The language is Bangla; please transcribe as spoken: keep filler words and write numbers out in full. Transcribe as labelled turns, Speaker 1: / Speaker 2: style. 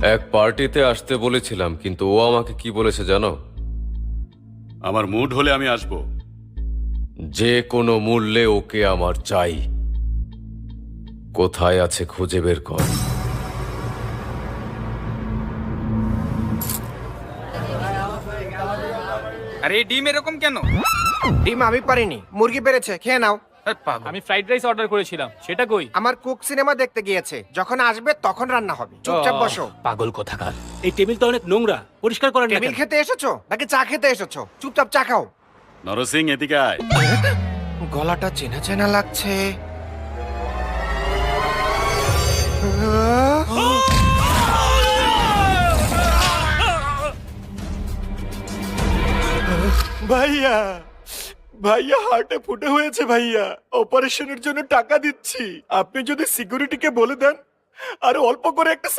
Speaker 1: এক পার্টিতে আসতে বলেছিলাম, কিন্তু ও আমাকে কি বলেছে জানো?
Speaker 2: আমার মুড হলে আমি আসবো।
Speaker 1: যে কোনো মূল্যে ওকে আমার চাই। কোথায় আছে খুঁজে বের কর।
Speaker 3: আরে এই ডিম এরকম কেন?
Speaker 4: ডিম আমি পারিনি, মুরগি পেরেছে, খেয়ে নাও।
Speaker 3: আরে পাগল।
Speaker 5: আমি ফ্রাইড রাইস অর্ডার করেছিলাম, সেটা কই?
Speaker 4: আমার কুক সিনেমা দেখতে গিয়েছে, যখন আসবে তখন রান্না হবে। চুপচাপ বসো।
Speaker 6: পাগল কোথাকার। এই টেবিল তো অনেক নোংরা, পরিষ্কার করেন না
Speaker 4: টেবিল
Speaker 6: কেন?
Speaker 4: খেতে এসেছো নাকি চা খেতে এসেছো? চুপচাপ চা খাও।
Speaker 2: নরসিং, এদিকে আয়।
Speaker 4: গলাটা চেনা চেনা লাগছে।
Speaker 7: ভাইয়া ভাইয়া হার্টে ফুটে হয়েছে ভাইয়া, অপারেশনের জন্য টাকা দিচ্ছি। আপনি যদি সিকিউরিটিকে বলে দেন আর অল্প করে একটা